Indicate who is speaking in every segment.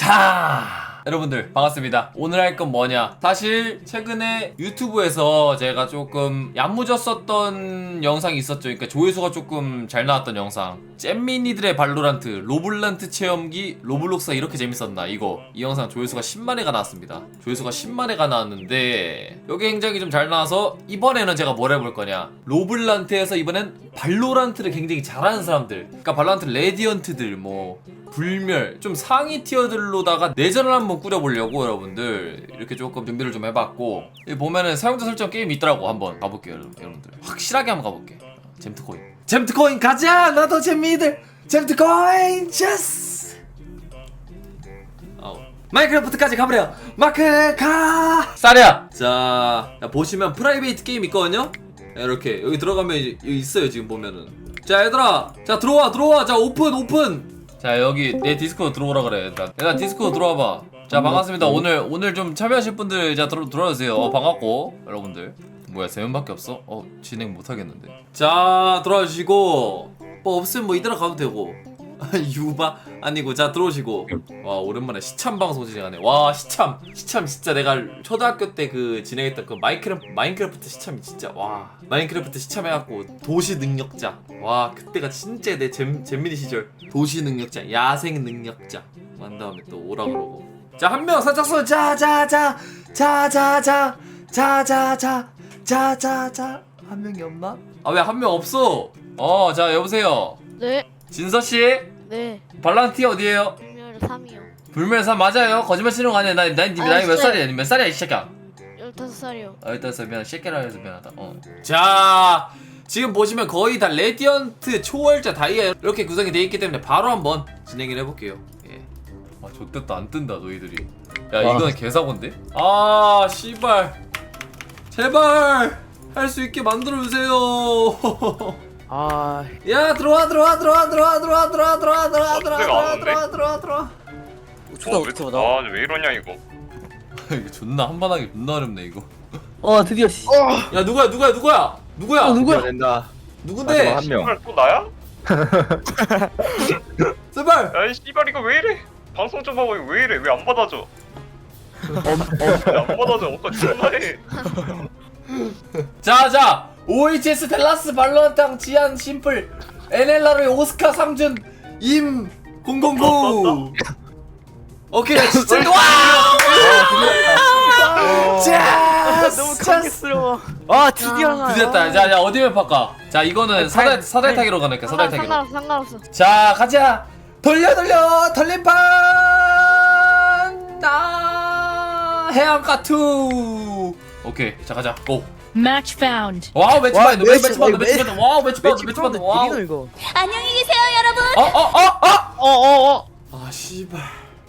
Speaker 1: 자, 여러분들 반갑습니다. 오늘 할 건 뭐냐, 사실 최근에 유튜브에서 제가 조금 얌무졌었던 영상이 있었죠. 그러니까 조회수가 조금 잘 나왔던 영상, 잼민이들의 발로란트 로블란트 체험기 로블록스가 이렇게 재밌었나, 이 영상 조회수가 10만회가 나왔습니다. 조회수가 10만회가 나왔는데 여기 굉장히 좀 잘 나와서 이번에는 제가 뭘 해볼 거냐, 로블란트에서 이번엔 발로란트를 굉장히 잘하는 사람들, 그러니까 발로란트 레디언트들, 뭐 불멸, 좀 상위 티어들로다가 내전을 한번 꾸려보려고 여러분들 이렇게 조금 준비를 좀 해봤고, 여기 보면은 사용자 설정 게임이 있더라고. 한번 가볼게요 여러분들. 확실하게 한번 가볼게. 잼트코인 가자. 나도 잼미들 잼트코인 제스. 마인크래프트까지 가버려. 마크 가. 쌀이야. 자, 보시면 프라이베이트 게임 있거든요. 이렇게 여기 들어가면 여기 있어요. 지금 보면은. 자 얘들아, 자 들어와. 자 오픈. 자 여기 내 디스코드 들어오라 그래. 얘들아 디스코드 들어와봐. 자 반갑습니다. 오늘 좀 참여하실 분들 자 들어와주세요. 반갑고 여러분들. 뭐야 3명밖에 없어? 진행 못하겠는데. 자 들어와주시고, 뭐 없으면 뭐 이대로 가도 되고. 유바 아니고, 자 들어오시고. 와 오랜만에 시참 방송 진행하네. 와 시참 진짜 내가 초등학교 때 그 진행했던 그 마인크래프트 시참이 진짜, 와 마인크래프트 시참 해갖고 도시 능력자, 와 그때가 진짜 내 잼민이 시절. 도시 능력자, 야생 능력자 한 다음에 또 오라 그러고. 자 한 명 살짝 써. 자자자 한 명이 없나? 아 왜 한 명 없어? 자 여보세요.
Speaker 2: 네.
Speaker 1: 진서씨?
Speaker 2: 네.
Speaker 1: 발란티 어디에요?
Speaker 2: 불멸 3이요.
Speaker 1: 불멸 3 맞아요? 거짓말 치는 거 아니야. 나이 몇 살이야? 몇 살이야 이 새끼야?
Speaker 2: 15살이요.
Speaker 1: 15살. 미안, 새끼라 해서 미안하다. 자 지금 보시면 거의 다 레디언트, 초월자, 다이아 이렇게 구성이 되어 있기 때문에 바로 한번 진행을 해볼게요. 예. 아 좋댔다. 안 뜬다 너희들이. 야 이거는 개사고인데? 아 씨발, 제발 할 수 있게 만들어주세요. 야 들어와.
Speaker 3: 왜 이러냐 이거.
Speaker 1: 이거 존나 한반하기 존나 어렵네 이거.
Speaker 4: 드디어 씨.
Speaker 1: 야 누구야?
Speaker 4: 누구야?
Speaker 5: 된다.
Speaker 1: 누군데?
Speaker 5: 한 명.
Speaker 3: 씨발 또 나야?
Speaker 1: 제발.
Speaker 3: 야이 씨발 이거 왜 이래? 방송 좀 하고 이거 왜 이래? 왜 안 받아줘? 왜 안 받아줘? 아까 존나해.
Speaker 1: 자 OHS 델라스 발로란탕 지안 심플 NLR의 오스카 상준 임 009. 오케이 진짜 와.
Speaker 4: 너무 감격스러워. 드디어.
Speaker 1: 드디었다. 자 어디 맵 할까? 자 이거는 사다리 타기로 가니까 사다리 타기로.
Speaker 2: 상관없어.
Speaker 1: 자 가자. 돌려 돌림판. 해안가 2. 오케이 자 가자. 고.
Speaker 6: Match found.
Speaker 1: 와우 매치 받는다. 와우 매치 받는다. 와우.
Speaker 4: 이거.
Speaker 6: 안녕히 계세요, 여러분.
Speaker 1: 아 씨발.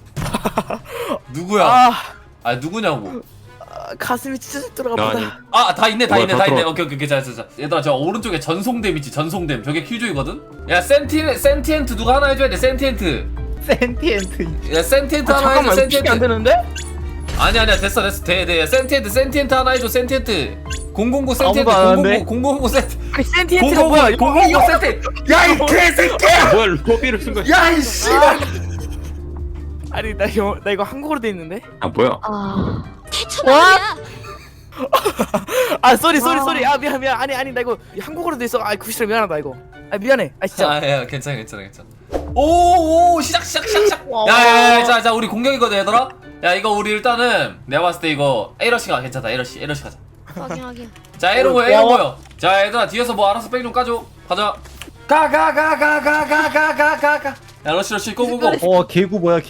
Speaker 1: 누구야? 누구냐고.
Speaker 4: 가슴이 찢어져 들어가보다.
Speaker 1: 다 있네.
Speaker 5: 뭐야, 다 들어와.
Speaker 1: 오케이. 자. 얘들아 저 오른쪽에 전송댐 있지. 전송댐. 저게 큐조이거든. 야 센티엔트 누가 하나 해줘야 돼. 센티엔트. 야 센티엔트 하나 해줘.
Speaker 4: 잠깐만, 이거 피기 안 되는데?
Speaker 1: 아니야 됐어 돼. 센티엔트 하나 해줘. 센티엔트. 009 센티엔트.
Speaker 4: 아무도 안 하는데?
Speaker 1: 009 센티.
Speaker 4: 아니 센티엔트가 뭐야?
Speaker 1: 009 센티. 야 이 개새끼야.
Speaker 5: 뭐야 로비를 쓴 거야?
Speaker 1: 야 이 씨발.
Speaker 4: 아니 나 이거 한국어로 돼 있는데?
Speaker 5: 뭐야?
Speaker 6: 태초나야.
Speaker 4: 쏘리. 미안. 아니 나 이거 한국어로 돼 있어. 구시라 미안하다 이거. 미안해. 진짜.
Speaker 1: 야 괜찮아. 오 시작. 야야야 자 우리 공격이거든 얘들아. 야 이거 우리 일단은 내가 봤을 때 이거 에러시가 괜찮다. 에러시 가자.
Speaker 2: 확인.
Speaker 1: 자 에러 모여. 자 얘들아 뒤에서 뭐 알아서 백 좀 까줘. 가자. 가. 야 러시 고고고.
Speaker 5: 개구 뭐야?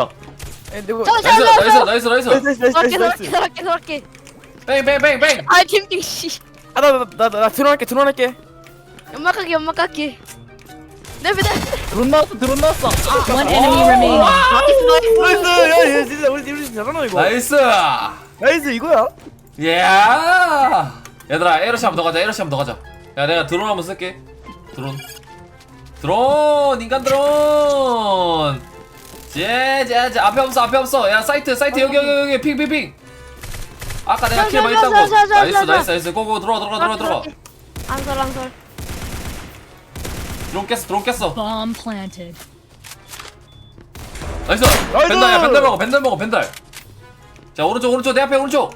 Speaker 1: 나이스.
Speaker 2: 저렇게.
Speaker 1: 뱅.
Speaker 2: 아 캠핑 씨.
Speaker 4: 나 드론할게.
Speaker 2: 연막 깎기. 네.
Speaker 4: 드론 나왔어.
Speaker 6: One enemy remaining.
Speaker 4: 나이스. 야 진짜 우리 잘하나 이거. 나이스 이거야.
Speaker 1: 야 얘들아 에러시 한번 더 가자. 야 내가 드론 한번 쓸게. 드론 인간 드론. 자 앞에 없어. 야 사이트 여기 핑. 아까 내가 킬 많이 했다고. 나이스. 고고 들어와.
Speaker 2: 안설.
Speaker 1: 드론 깼어.
Speaker 6: Bomb planted.
Speaker 1: 나이스. 벤달야 벤달 먹어 벤달 먹어 벤달. 자 오른쪽 내 앞에 오른쪽.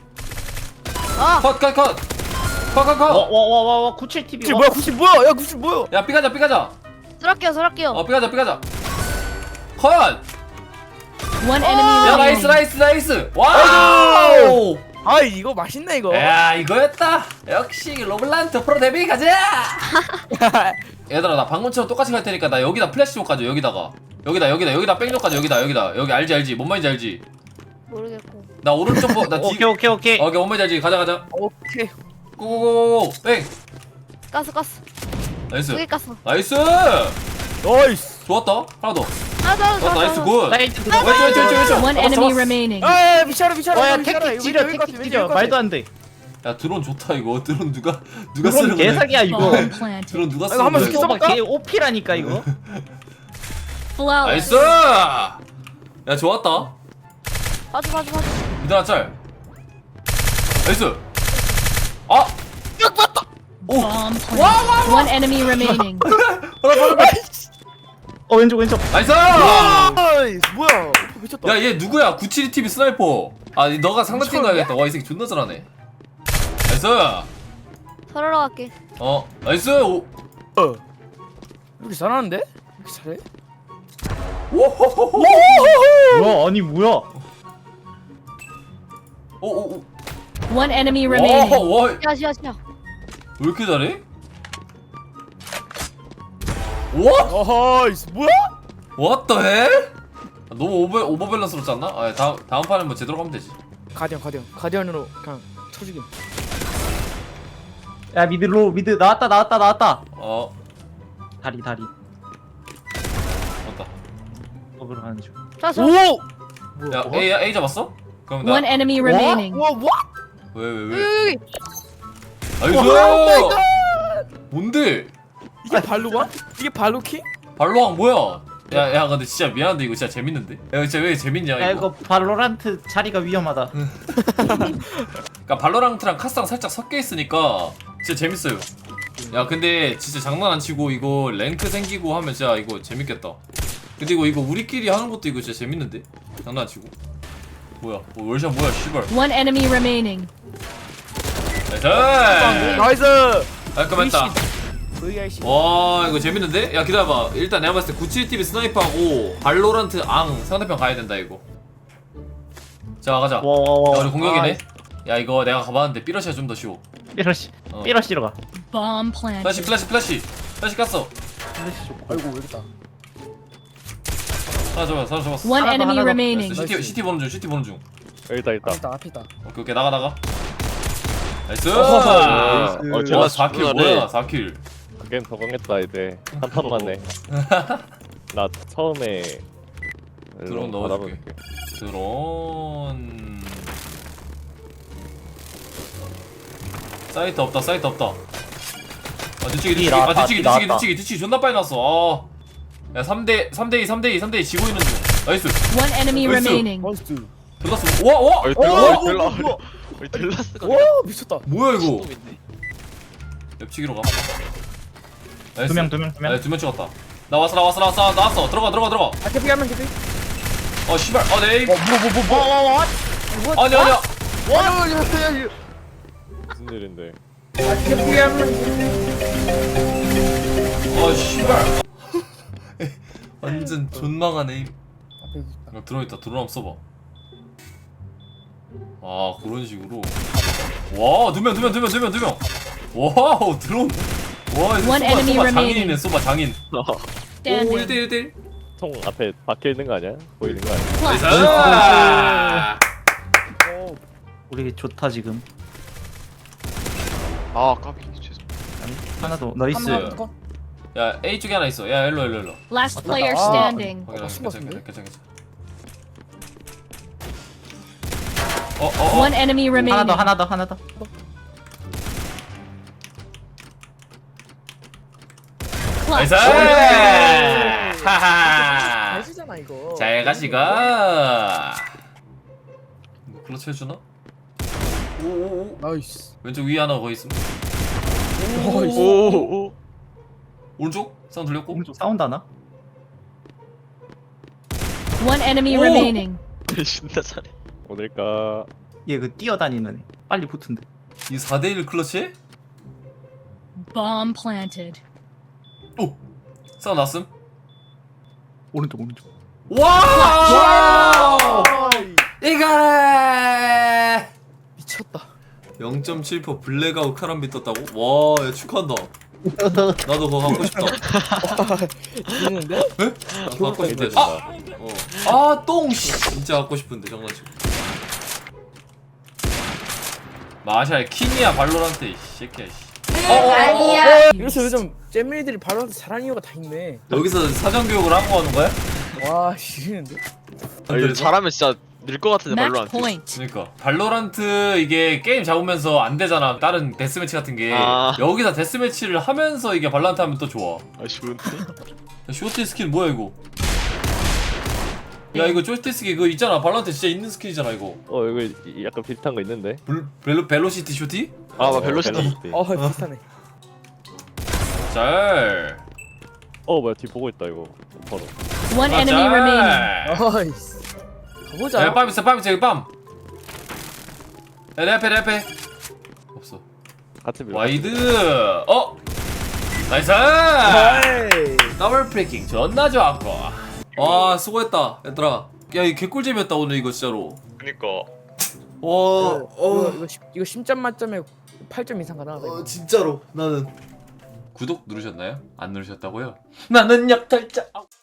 Speaker 2: 아
Speaker 1: 컷.
Speaker 5: 와와와와 97 TV.
Speaker 4: 구칠 뭐야 구칠 뭐야 야 구칠 뭐야
Speaker 1: 야 삐가자.
Speaker 2: 서랍게요
Speaker 1: 삐가자. 컷.
Speaker 6: One enemy
Speaker 1: 야
Speaker 6: remaining.
Speaker 1: 나이스. 와우.
Speaker 4: 아 이거 맛있네 이거
Speaker 1: 야 이거였다. 역시 로블란트 프로 데뷔 가자. 얘들아 나 방금처럼 똑같이 갈 테니까 나 여기다 플래시로 가져. 여기다 백로 가져. 여기 알지 뭔 말인지 알지.
Speaker 2: 모르겠고
Speaker 1: 나 오른쪽 나 뒤.
Speaker 5: 오케이.
Speaker 1: 오케이 뭔 말인지 알지. 가자.
Speaker 4: 오케이
Speaker 1: 고고고 뺑.
Speaker 2: 가스
Speaker 1: 나이스.
Speaker 2: 두개 가스
Speaker 1: 나이스.
Speaker 4: 나이스
Speaker 1: 좋았다. 하나 더.
Speaker 2: 하나
Speaker 1: 나이스 굿.
Speaker 5: 라이트
Speaker 1: 왼쪽.
Speaker 6: One enemy remaining.
Speaker 4: 아 미쳐라
Speaker 5: 와야
Speaker 4: 미쳐라
Speaker 5: 택틱 지려 말도 안 돼.
Speaker 1: 야 드론 좋다 이거. 드론 누가
Speaker 5: 그건
Speaker 1: 쓰는 거야?
Speaker 5: 개사기야 이거.
Speaker 6: Bomb planted.
Speaker 1: 드론 누가
Speaker 4: 이거
Speaker 1: 쓰는
Speaker 4: 한번
Speaker 1: 거야?
Speaker 4: 시켜.
Speaker 5: 이거 개 오피라니까 이거.
Speaker 6: Flawless.
Speaker 1: 나이스. 야 좋았다.
Speaker 2: 봐줘
Speaker 1: 미드나 짤. 나이스. 아.
Speaker 6: Bomb planted. One enemy remaining.
Speaker 5: 왼쪽.
Speaker 1: 나이스.
Speaker 4: 나이스 뭐야 미쳤다
Speaker 1: 야 얘 누구야? 972TV 스나이퍼. 아 너가 상대팀 가야겠다. 와 이 새끼 존나 잘하네. 나이스.
Speaker 2: 서러러 갈게
Speaker 1: 나이스.
Speaker 4: 이렇게 잘하는데? 이렇게 잘해?
Speaker 1: 오호호호.
Speaker 5: 뭐야 아니 뭐야?
Speaker 1: 오오오.
Speaker 6: One enemy remaining.
Speaker 1: 와. 왜
Speaker 2: 야시야
Speaker 1: 이렇게 잘해? 와?
Speaker 4: 어허이스 뭐야?
Speaker 1: What the hell? 너무 오버밸런스롭지 않나? 아 다음 판은 뭐 제대로 가면 되지.
Speaker 4: 가디언으로 그냥 쳐주기
Speaker 5: 야 미드 나왔다. 다리.
Speaker 1: 맞다.
Speaker 5: 먹으러 가는 중.
Speaker 2: 자서
Speaker 4: 오!
Speaker 1: 야 A 잡았어? 그럼 나
Speaker 6: One enemy remaining.
Speaker 4: 와
Speaker 1: 왜?
Speaker 2: 여기
Speaker 1: 나이스. 뭔데?
Speaker 4: 이게 발로가? 이게 발로키?
Speaker 1: 발로왕 뭐야? 야 근데 진짜 미안한데 이거 진짜 재밌는데? 야 진짜 왜 재밌냐
Speaker 5: 야
Speaker 1: 이거?
Speaker 5: 이거 발로란트 자리가 위험하다.
Speaker 1: 그러니까 발로란트랑 카스랑 살짝 섞여 있으니까 진짜 재밌어요. 야 근데 진짜 장난 안 치고 이거 랭크 생기고 하면 진짜 이거 재밌겠다. 근데 이거 우리끼리 하는 것도 이거 진짜 재밌는데? 장난 안 치고. 뭐야? 월샷 뭐야? 씨발.
Speaker 6: One enemy remaining.
Speaker 1: 나이스.
Speaker 4: 나이스!
Speaker 1: 깔끔했다.
Speaker 4: VIC
Speaker 1: 와 이거 재밌는데? 야 기다려봐. 일단 내가 봤을 때 97TV 스나이퍼하고 발로란트 앙 상대편 가야 된다 이거. 자 가자. 야
Speaker 5: 와와와.
Speaker 1: 우리 공격이네. 야 이거 내가 가봤는데 삐러시가 좀 더 쉬워.
Speaker 5: 삐러시로 가.
Speaker 6: Bomb planted.
Speaker 1: 플래시 깠어.
Speaker 4: 아이고 왜 이렇다
Speaker 1: 사라 잡았어.
Speaker 6: One
Speaker 5: 하나 더,
Speaker 6: enemy
Speaker 5: 하나 더.
Speaker 6: remaining.
Speaker 1: CT 보는 중.
Speaker 3: 여기다.
Speaker 4: 앞에 있다
Speaker 1: 오케이 나가. 나이스.
Speaker 3: 나이스.
Speaker 1: 와 4킬 뭐야 4킬.
Speaker 3: 그겐 적응했다 이제 한 판 만에. 나 처음에
Speaker 1: 드론 넣어줄게. 드론. 사이트 없다. 아 뒤치기 존나 빨리 났어. 야 3대2 지고 있는 중. 나이스.
Speaker 6: One enemy
Speaker 1: 나이스.
Speaker 6: remaining.
Speaker 4: 나이스
Speaker 1: 들렀어. 와.
Speaker 4: 와 미쳤다
Speaker 1: 뭐야 이거? 랩치기로 가. 나이스.
Speaker 5: 두 명.
Speaker 1: 아, 2명 찍었다. 나왔어. 들어가.
Speaker 4: 아 캐피 하면 캐피
Speaker 1: 씨발. 네.
Speaker 4: 뭐
Speaker 1: 아니야.
Speaker 4: 와
Speaker 3: 무슨 일인데?
Speaker 4: 캐피 하면
Speaker 1: 씨발. 완전 존망한 에임.
Speaker 4: 앞에 있다
Speaker 1: 들어있다. 드론 한번 써봐. 아 그런 식으로. 와 2명. 와우 드론. 와 이거
Speaker 6: One enemy
Speaker 1: 쏘바
Speaker 6: remaining.
Speaker 1: 장인이네. 쏘바 장인. 오
Speaker 6: Standing.
Speaker 1: 1대1.
Speaker 3: 총 앞에 박혀 있는 거 아니야? 보이는 거 아니야?
Speaker 1: 나이스.
Speaker 5: 우리 좋다 지금.
Speaker 3: 아 까비 죄송.
Speaker 5: 하나 더. 나이스.
Speaker 1: 야 A 쪽에 하나 있어. 야 일로.
Speaker 6: Last player
Speaker 4: 아.
Speaker 6: standing.
Speaker 1: 괜찮아.
Speaker 6: One enemy remaining.
Speaker 5: 하나 더.
Speaker 1: 나이스.
Speaker 6: Clutch.
Speaker 1: 하하.
Speaker 4: 잘쓰잖아 이거
Speaker 1: 잘 가시가. 클러치 해주나? 오.
Speaker 4: 나이스
Speaker 1: 왼쪽 위에 하나 거기 있음.
Speaker 4: 나이스
Speaker 3: 오.
Speaker 1: 오른쪽? 사운드 들렸고.
Speaker 5: 오른쪽 사운드 하나?
Speaker 6: One enemy
Speaker 1: Oh.
Speaker 6: remaining.
Speaker 7: 존나 잘해.
Speaker 8: 어딜까?
Speaker 5: 얘 그 뛰어다니는 애. 빨리 붙은데.
Speaker 1: 이 4대1 클러치?
Speaker 6: Bomb planted.
Speaker 1: 싸움 났음?
Speaker 5: 오른쪽 오른쪽.
Speaker 1: 와! 이거래!
Speaker 4: 미쳤다.
Speaker 1: 0.7% 블랙아웃 카람비 떴다고? 와, 야, 축하한다. 나도 그거 갖고 싶다.
Speaker 4: 죽는데?
Speaker 1: 나도 갖고 싶다. 아, 똥! 씨. 진짜 갖고 싶은데, 장난치고. 마샬 킹이야, 발로란트, 이 새끼야, 씨.
Speaker 4: 이래서 요즘 잼민이들이 발로한테 잘하는 이유가 다 있네.
Speaker 1: 여기서 사전교육을 하고 하는 거야?
Speaker 4: 와 지리는데?
Speaker 7: 이거 잘하면 진짜 늘 것 같은데
Speaker 6: Match
Speaker 7: 발로란트.
Speaker 6: point.
Speaker 1: 그러니까 발로란트 이게 게임 잡으면서 안 되잖아. 다른 데스매치 같은 게
Speaker 7: 아.
Speaker 1: 여기서 데스매치를 하면서 이게 발로란트 하면 또 좋아.
Speaker 7: 아 좋은데?
Speaker 1: 야, 쇼티 스킨 뭐야 이거? 야 이거 쇼티 스킨 그거 있잖아. 발로란트 진짜 있는 스킨이잖아 이거.
Speaker 8: 이거 약간 비슷한 거 있는데.
Speaker 1: 벨로시티 쇼티?
Speaker 7: 아 벨로시티.
Speaker 4: 비슷하네.
Speaker 1: 잘.
Speaker 8: 뭐야 뒤 보고 있다 이거. 바로.
Speaker 6: One enemy remaining.
Speaker 4: 아이씨. 가보자.
Speaker 1: 야, 빰 있어, 빰 있어, 여기 빰. 야, 내 앞에, 내 앞에. 없어.
Speaker 8: 같이 밀어.
Speaker 1: 와이드. 나이스. 더블 프리킹 존나 좋았고. 와, 수고했다, 얘들아. 야, 이 개꿀잼이었다 오늘 이거 진짜로.
Speaker 3: 그니까
Speaker 1: 와,
Speaker 4: 이거 10점 만점에 8점 이상 가능하다. 이거.
Speaker 1: 진짜로 나는. 구독 누르셨나요? 안 누르셨다고요? 나는 약탈자.